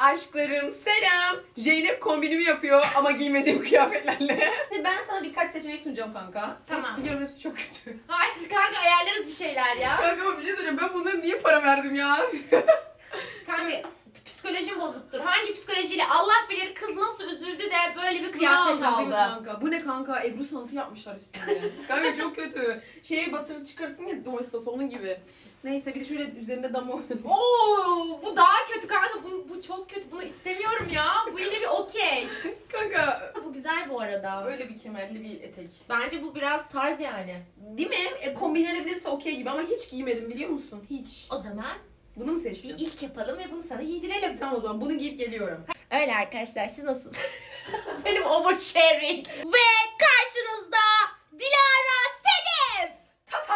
Aşklarım selam. Zeynep kombinimi yapıyor ama giymediğim kıyafetlerle. Ben sana birkaç seçenek sunacağım kanka. Tamam. Biliyorum hepsi çok kötü. Hayır kanka, ayarlarız bir şeyler ya. Kanka ama bir şey söyleyeyim, ben bunlara niye para verdim ya? Kanka psikolojim bozuktur. Hangi psikolojiyle Allah bilir, kız nasıl üzüldü de böyle bir kıyafet Değil mi aldı. kanka? Bu ne kanka? Ebru sanatı yapmışlar üstüne. Kanka çok kötü. Şeye batırı çıkarsın ya, domestos onun gibi. Neyse bir de şöyle üzerinde dama oynadım. Oo, bu daha kötü kanka. Bu çok kötü. Bunu istemiyorum ya. Bu yine bir okey. Kanka Bu güzel bu arada. böyle bir kemerli bir etek. Bence bu biraz tarz yani. Değil mi? Kombinlenebilirse okey gibi ama hiç giymedim biliyor musun? Hiç. O zaman Bunu mu bir seçtin? ilk yapalım ve bunu sana giydirelim. Tamam o zaman bunu giyip geliyorum. Öyle arkadaşlar, siz nasılsınız? Benim oversharing. Ve karşınızda Dilara Sedef. Tata!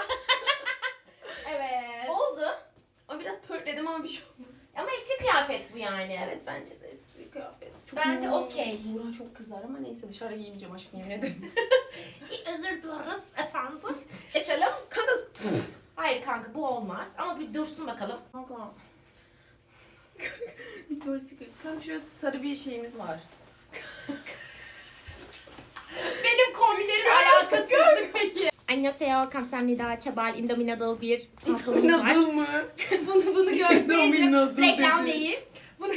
Evet. Oldu. Ama biraz pörtledim ama bir şey olmadı. Ama eski kıyafet bu yani. Evet bence de eski bir kıyafet. Bence okey. Buğra çok kızar ama neyse dışarı giymeyeceğim aşkım, yemin ederim. Özür dileriz efendim. Seçelim. Kanka. Hayır kanka, bu olmaz. Ama bir dursun bakalım. Kanka. Victoria's Secret. Kanka şöyle sarı bir şeyimiz var. Benim kombinlerin alakasızlık peki. Annyeonghaseyo, kamsahamnida, çabal, indominadal bir pantolonumuz var. Nadal mı? bunu görseydim. Indominadal Reklam dedi. değil. Bunu...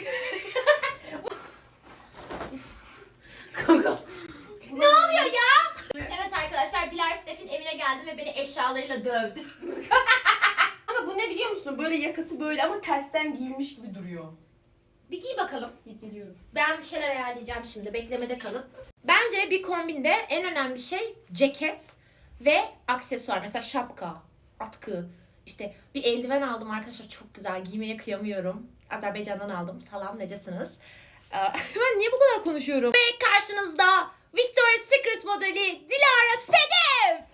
Kanka. Ne oluyor ya? Evet arkadaşlar, Dilara Sedef'in evine geldim ve beni eşyalarıyla dövdü. Ama bu ne biliyor musun? Böyle yakası böyle ama tersten giyilmiş gibi duruyor. Bir giy bakalım. Giyip geliyorum. Ben bir şeyler ayarlayacağım şimdi. Beklemede kalın. Bence bir kombinde en önemli şey ceket ve aksesuar. Mesela şapka, atkı. İşte bir eldiven aldım arkadaşlar. Çok güzel. Giymeye kıyamıyorum. Azerbaycan'dan aldım. Salam, necesiniz? Ben niye bu kadar konuşuyorum? Ve karşınızda Victoria's Secret modeli Dilara Sedef.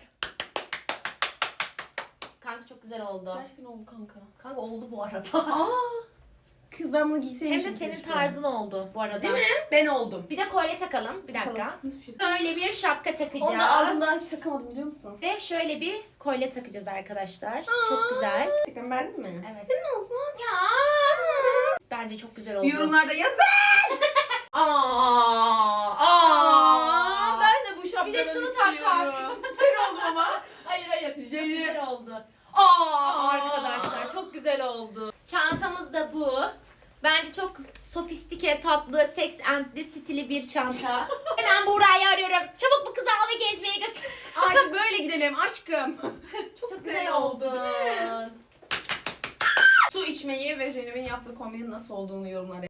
Kanka çok güzel oldu. Gerçekten oldu kanka. Kanka oldu bu arada. Aa! Kız ben bunu giyseydim. Hem de senin tarzın oldu bu arada. Değil mi? Ben oldum. Bir de kolye takalım. Bir dakika. Tamam. Nasıl bir şey? Böyle bir şapka takacağız. Onu da ağzımdan hiç takamadım biliyor musun? Ve şöyle bir kolye takacağız arkadaşlar. Çok güzel. Gerçekten beğendin mi? Evet. Senin olsun. Ya. Bence çok güzel oldu. Yorumlarda yazın. Aa. Ben de bu şapkadan Bir de şunu tak istiyorum. Sen oldun ama. Hayır. Çok Zeynep. güzel oldu. Aa. Arkadaşlar çok güzel oldu. Çantamız da bu. Bence çok sofistike, tatlı, sex and'li stili bir çanta. Hemen Buğra'yı arıyorum. Çabuk bu kızı al ve gezmeye götür. Artık böyle gidelim aşkım. Çok güzel oldu. Su içmeyi ve Zeynep'in yaptığı kombinin nasıl olduğunu yorumlara